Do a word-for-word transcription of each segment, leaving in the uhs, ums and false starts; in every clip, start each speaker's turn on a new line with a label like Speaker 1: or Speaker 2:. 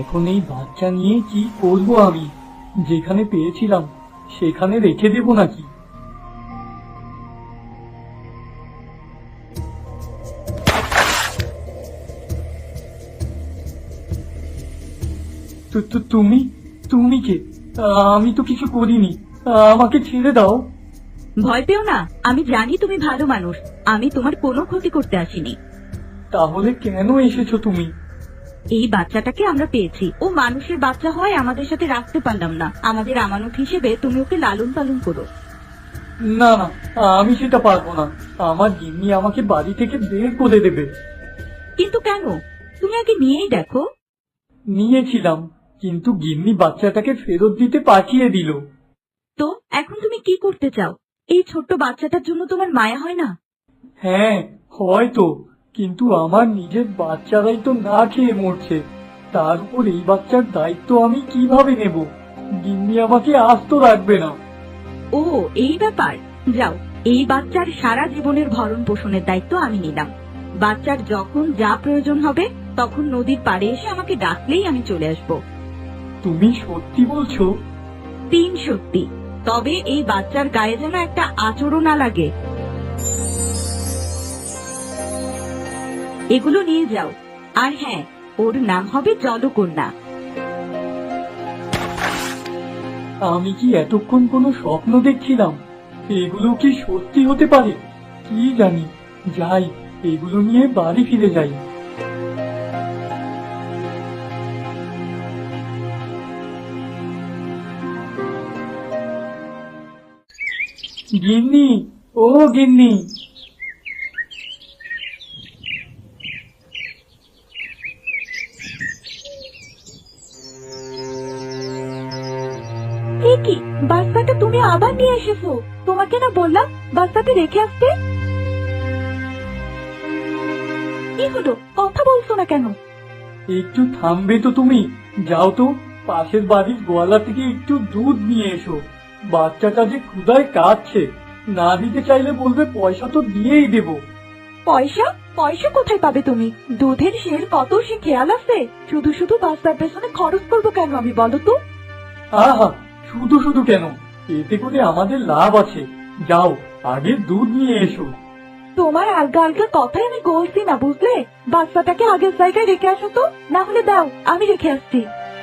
Speaker 1: এখন এই বাচ্চা নিয়ে কি করব আমি? যেখানে পেয়েছিলাম সেখানে রেখে দেব নাকি? তু- তু- তুমি তুমি কে? আমি তো কিছু করিনি, আমাকে ছেড়ে দাও।
Speaker 2: ভয় পেও না, আমি জানি তুমি ভালো মানুষ। আমি তোমার কোনো ক্ষতি করতে আসিনি।
Speaker 1: তাহলে কেন এসেছো তুমি?
Speaker 2: এই বাচ্চাটাকে আমরা পেয়েছি, ও মানুষের বাচ্চা হয় আমাদের সাথে রাখতে পারলাম না। আমাদের আমানত হিসেবে তুমি ওকে লালন পালন করো।
Speaker 1: না না, আমি সেটা পারবো না। আমার গিন্নি আমাকে বাড়ি থেকে বের করে দেবে।
Speaker 2: কিন্তু কেন? তুমি আগে নিয়েই দেখো।
Speaker 1: নিয়েছিলাম, কিন্তু গিন্নি বাচ্চাটাকে ফেরত দিতে পাঠিয়ে দিল।
Speaker 2: তো এখন তুমি কি করতে চাও? এই ছোট্ট বাচ্চাটার জন্য তোমার মায়া হয় না?
Speaker 1: হ্যাঁ, হয়তো, কিন্তু আমার নিজের বাচ্চারাই তো না খেয়ে মরছে। তার উপর এই বাচ্চার দায়িত্ব আমি কিভাবে নেব? গিন্নি আমাকে আস্ত রাখবে না।
Speaker 2: ও, এই ব্যাপার। যাও, এই বাচ্চার সারা জীবনের ভরণ পোষণের দায়িত্ব আমি নিলাম। বাচ্চার যখন যা প্রয়োজন হবে তখন নদীর পাড়ে এসে আমাকে ডাকলেই আমি চলে আসবো।
Speaker 1: তুমি সত্যি বলছো?
Speaker 2: তিন সত্যি। তবে এই বাচ্চার গায়ে যেন একটা আচরণ না লাগে। এগুলো নিয়ে যাও। আর হ্যাঁ, ওর নাম হবে জলকন্যা।
Speaker 1: আমি কি এতক্ষণ কোনো স্বপ্ন দেখছিলাম? এগুলো কি সত্যি হতে পারে? কি জানি। যাই, এগুলো নিয়ে বাড়ি ফিরে যাই। গিন্নি, ও গিন্নি।
Speaker 2: এ কি, বাচ্চাটা তুমি আবার নিয়ে এসেছো? তোমাকে না বললাম বাচ্চাকে রেখে আসতে? কি হলো, কথা বলছো না কেন?
Speaker 1: একটু থামবে তো তুমি? যাও তো, পাশের বাড়ির গোয়ালা থেকে একটু দুধ নিয়ে এসো। বাচ্চাটা যে ক্ষুধায় কাঁদছে, না দিতে চাইলে বলবে পয়সা তো দিয়েই দেব।
Speaker 2: পয়সা? পয়সা কোথায় পাবে তুমি? দুধের শের কত সে খেয়াল আছে? শুধু শুধু বাচ্চার পেছনে খরচ করবো কেন আমি, বলো তো?
Speaker 1: আহা, শুধু শুধু কেন? এতে করে আমাদের লাভ আছে। যাও, আগে দুধ নিয়ে এসো।
Speaker 2: তোমার আলগা আলগা কথাই আমি বলছি না, বুঝলে? বাচ্চাটাকে আগের জায়গায় রেখে আসো তো, না হলে দাও, আমি রেখে আসছি।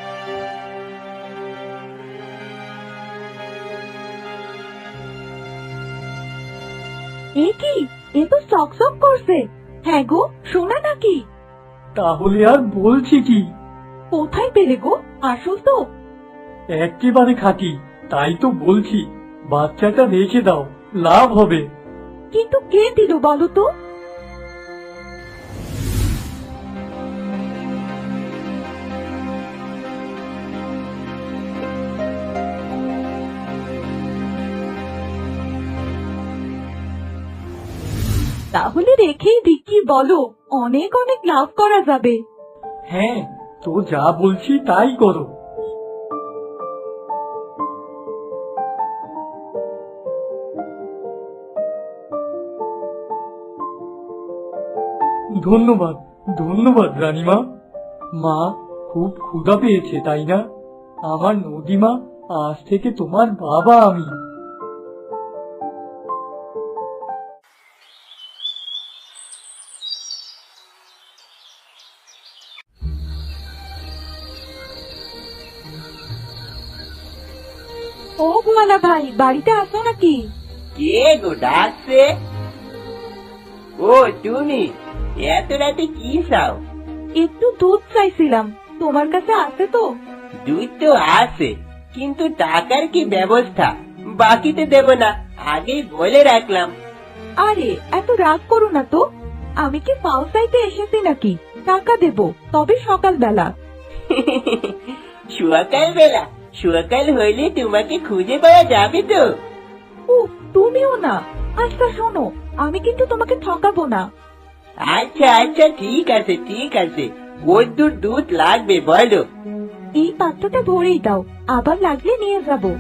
Speaker 2: এ কি, এ তো চকচক করছে। হ্যাঁ গো, সোনা নাকি?
Speaker 1: তাহলে আর বলছি কি?
Speaker 2: কোথায় পেলে গো? আসল তো?
Speaker 1: একেবারে খাঁটি, তাই তো বলছি। বাচ্চাটা রেখে দাও, লাভ হবে।
Speaker 2: কিন্তু কে দিল বলো তো? তাহলে রেখেই দি, কি বলো? অনেক অনেক লাভ করা যাবে।
Speaker 1: হ্যাঁ, তো যা বলছি তাই করো। ধন্যবাদ, ধন্যবাদ রানীমা। মা, খুব ক্ষুধা পেয়েছে তাই না? আমার নদীমা, আজ থেকে তোমার বাবা আমি।
Speaker 2: ও গোয়ালা ভাই, বাড়িতে আসো নাকি?
Speaker 3: কে গো ডাকছে? ও তুমি, এত রাতে কি চাও?
Speaker 2: একটু দুধ চাইছিলাম, তোমার কাছে আছে তো?
Speaker 3: দুধ তো আছে, কিন্তু টাকার কি ব্যবস্থা? বাকিতে দেব না, আগেই বলে রাখলাম।
Speaker 2: আরে এত রাগ করো না তো। আমি কি পাও চাইতে এসেছি নাকি? টাকা দেব, তবে সকালবেলা।
Speaker 3: সকাল বেলা? সকাল হইলে তোমাকে খুঁজে পাওয়া যাবে তো?
Speaker 2: ও, তুমিও না। আচ্ছা শোনো, আমি কিন্তু তোমাকে ঠকাবো না।
Speaker 3: আচ্ছা আচ্ছা, ঠিক আছে ঠিক আছে। কদ্দুর দুধ লাগবে বলো?
Speaker 2: এই পাত্রটা ভরেই দাও, আবার লাগলে নিয়ে যাবো।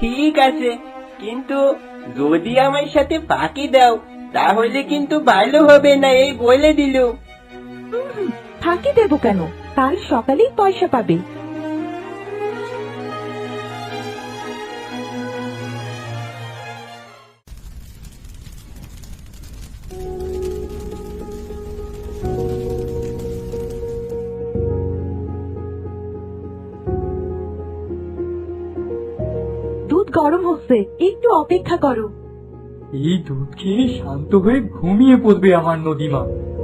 Speaker 3: ঠিক আছে, কিন্তু যদি আমার সাথে ফাঁকি দাও তাহলে কিন্তু ভালো হবে না, এই বলে দিলুম।
Speaker 2: হুম, ফাঁকি দেবো কেন? কাল সকালেই পয়সা পাবে। দুধ গরম হচ্ছে, একটু অপেক্ষা করো।
Speaker 1: এই দুধ খেয়ে শান্ত হয়ে ঘুমিয়ে পড়বে আমার নদীমা।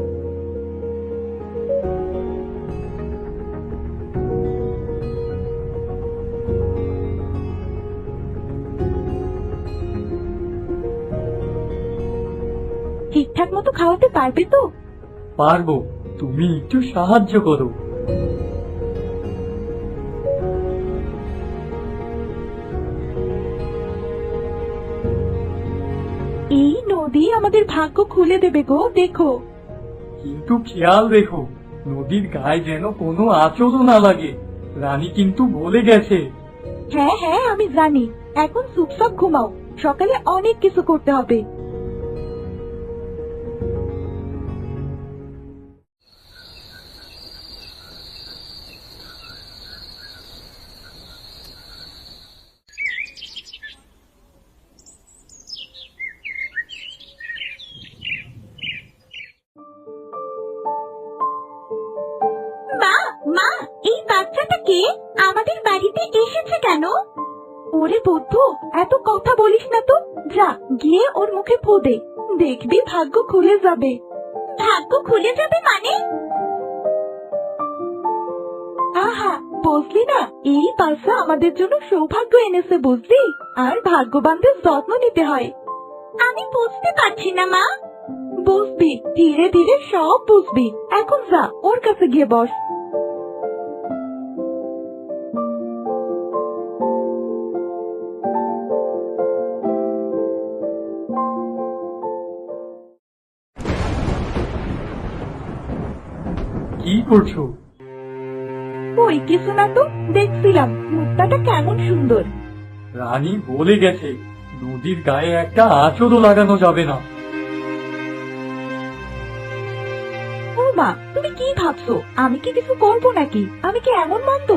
Speaker 2: ঠিকঠাক মতো খাওয়াতে পারবে তো?
Speaker 1: পারবো, তুমি একটু সাহায্য করো।
Speaker 2: এই নদী আমাদের ভাগ্য খুলে দেবে গো, দেখো।
Speaker 1: কিন্তু খেয়াল রেখো, নদীর গায়ে যেন কোনো আঁচড়ও না লাগে। রানী কিন্তু বলে গেছে।
Speaker 2: হ্যাঁ হ্যাঁ, আমি জানি। এখন চুপচাপ ঘুমাও, সকালে অনেক কিছু করতে হবে। মা, মা, এই বাচ্চাটা কে? আমাদের বাড়িতে এসেছে কেন? ওরে বুদ্ধু, এত কথা বলিস না তো। যা গিয়ে ওর মুখে ফু দে, দেখবি ভাগ্য খুলে যাবে। ভাগ্য খুলে যাবে মানে? আহা, বুঝলি না? এই বাচ্চা আমাদের জন্য সৌভাগ্য এনেছে, বুঝলি? আর ভাগ্যবানদের যত্ন নিতে হয়। আমি বুঝতে পারছি না মা। বুঝবি, ধীরে ধীরে সব বুঝবি। এখন যা, ওর কাছে গিয়ে বস।
Speaker 1: কি করছো?
Speaker 2: ওই কিছু না তো, দেখছিলাম মুক্তাটা কেমন সুন্দর।
Speaker 1: রানী বলে গেছে নদীর গায়ে একটা আঁচড়ও লাগানো যাবে না।
Speaker 2: ও মা, তুমি কি ভাবছো? আমি কি কিছু করবো নাকি? আমি কি এমন মন্দ?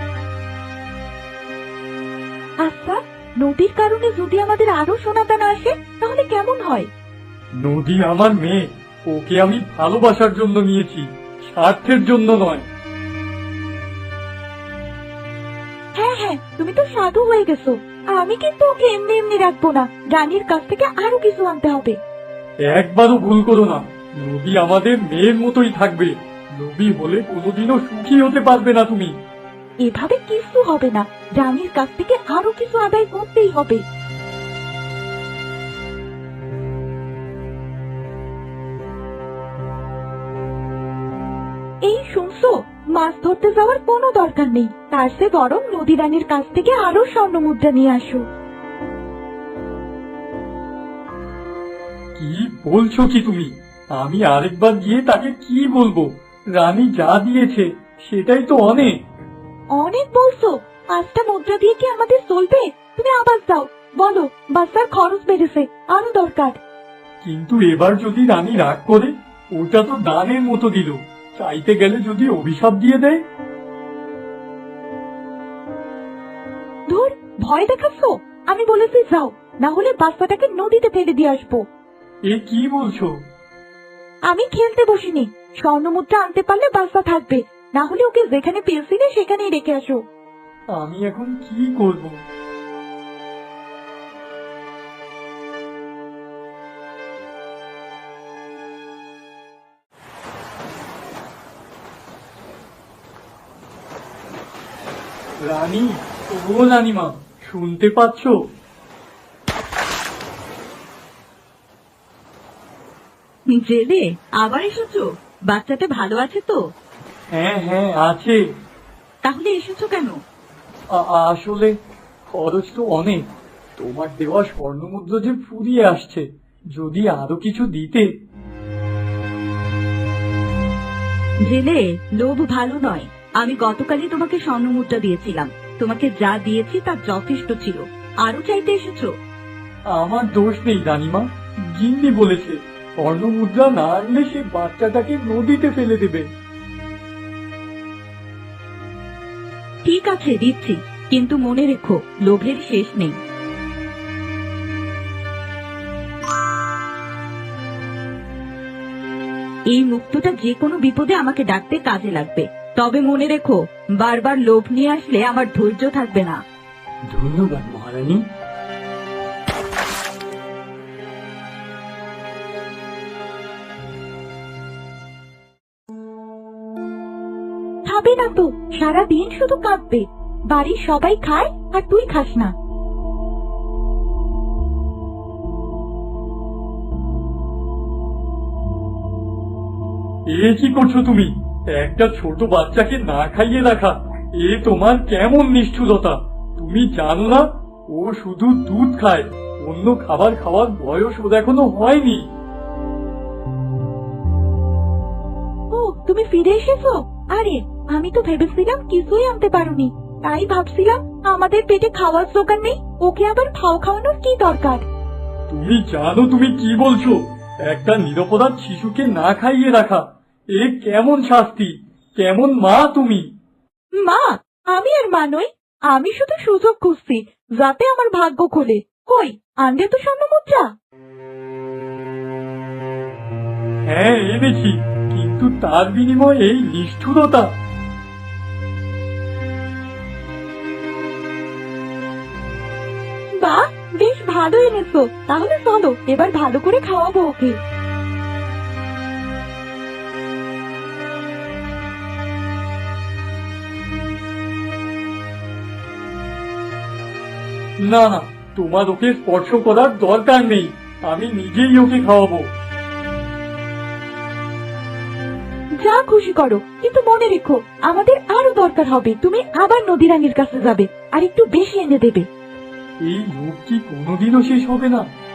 Speaker 2: আচ্ছা, নদীর কারণে যদি আমাদের আরো সোনাদানা আসে তাহলে কেমন হয়?
Speaker 1: নদী আমার মেয়ে, ওকে আমি ভালোবাসার জন্য নিয়েছি, স্বার্থের জন্য নয়।
Speaker 2: হ্যাঁ হ্যাঁ, তুমি তো সাধু হয়ে গেছো। আমি কিন্তু ওকে এমনি এমনি রাখবো না, রানীর কাছ থেকে আরো কিছু আনতে হবে।
Speaker 1: একবারও ভুল করো না, নদী আমাদের মেয়ের মতোই থাকবে। নদী হলে কোনোদিনও সুখী হতে পারবে না তুমি।
Speaker 2: এভাবে কিছু হবে না, রানীর কাছ থেকে আরো কিছু আদায় করতেই হবে। এই শুনছো, মাছ ধরতে যাওয়ার কোনো দরকার নেই, তার চেয়ে বরং নদী রানীর কাছ থেকে আরো স্বর্ণ মুদ্রা নিয়ে আসো।
Speaker 1: কি বলছো কি তুমি? আমি আরেকবার গিয়ে তাকে কি বলবো? রানী যা দিয়েছে সেটাই তো অনেক।
Speaker 2: অনেক বলছো? পাঁচটা মুদ্রা দিয়ে কি আমাদের চলবে? তুমি আবার যাও, বলো বাচ্চার খরচ বেড়েছে, আরো দরকার।
Speaker 1: কিন্তু এবার যদি রানী রাগ করে, ওটা তো দানের মতো দিল, চাইতে গেলে যদি অভিশাপ দিয়ে দেয়।
Speaker 2: ধুর, ভয় দেখাচ্ছ? আমি বলেছি যাও, না হলে বাচ্চাটাকে নদীতে ফেলে দিয়ে আসবো।
Speaker 1: এ কি বলছো?
Speaker 2: আমি খেলতে বসিনি, স্বর্ণ মুদ্রা আনতে পারলে বাচ্চা থাকবে, না হলে ওকে যেখানে পেয়েছিলে সেখানেই রেখে আসো।
Speaker 1: আমি এখন কি করব? রানী, ও রানীমা, শুনতে পাচ্ছ?
Speaker 2: জেলে আবার এসেছো? বাচ্চাটা ভালো আছে তো?
Speaker 1: হ্যাঁ হ্যাঁ আছে।
Speaker 2: তাহলে এসেছো কেন?
Speaker 1: আ- আসলে খরচ তো অনেক, তোমার দেওয়া স্বর্ণমুদ্রা যে ফুরিয়ে আসছে, যদি আরো কিছু দিতে।
Speaker 2: জেলে, লোভ ভালো নয়। আমি গতকালই তোমাকে স্বর্ণ মুদ্রা দিয়েছিলাম, তোমাকে যা দিয়েছি তা যথেষ্ট ছিল। আরো চাইতে এসেছো?
Speaker 1: আমার দোষ নেই রানীমা, গিন্নি বলেছে স্বর্ণমুদ্রা না আনলে সে বাচ্চাটাকে নদীতে ফেলে দেবে।
Speaker 2: ঠিক আছে, দিচ্ছি, কিন্তু মনে রেখো লোভের শেষ নেই। এই মুক্তটা যে কোনো বিপদে আমাকে ডাকতে কাজে লাগবে, তবে মনে রেখো বারবার লোভ নিয়ে আসলে আমার ধৈর্য থাকবে না।
Speaker 1: ধন্যবাদ মহারানী।
Speaker 2: খাবে না তো, সারাদিন শুধু কাঁদবে। বাড়ির সবাই খায় আর তুই খাস না।
Speaker 1: এ কি করছো তুমি? একটা ছোট বাচ্চাকে না খাইয়ে রাখা, এ তোমার কেমন নিষ্ঠুরতা! তুমি জানো না ও শুধু দুধ খায়, অন্য খাবার খাওয়ার বয়স ওর এখনো হয়নি।
Speaker 2: ও, তুমি ফিরে এসেছো? আরে আমি তো ভেবেছিলাম কিছুই আনতে পারোনি, তাই ভাবছিলাম আমাদের পেটে খাওয়ার দোকান নেই, ওকে আবার খাও খাওয়ানোর কি দরকার।
Speaker 1: তুমি জানো তুমি কি বলছো? একটা নিরপরাধ শিশুকে না খাইয়ে রাখা, এ কেমন শাস্তি! কেমন মা তুমি!
Speaker 2: মা? আমি আর মা নই, আমি শুধু সুযোগ খুঁজছি যাতে আমার ভাগ্য খোলে। কই, আনলে তো স্বর্ণ মুদ্রা।
Speaker 1: হ্যাঁ এনেছি, কিন্তু তার বিনিময়ে এই নিষ্ঠুরতা।
Speaker 2: বাহ, বেশ ভালো এনেছো, তাহলে চলো এবার ভালো করে খাওয়াবো ওকে।
Speaker 1: না না, তোমার ওকে স্পর্শ করার দরকার নেই, আমি নিজেই ওকে খাওয়াবো।
Speaker 2: যা খুশি করো, কিন্তু মনে রেখো আমাদের আরো দরকার হবে। তুমি আবার নদীরানীর কাছে যাবে আর একটু বেশি এনে দেবে।
Speaker 1: এই লোভ কি কোনোদিনও শেষ হবে না?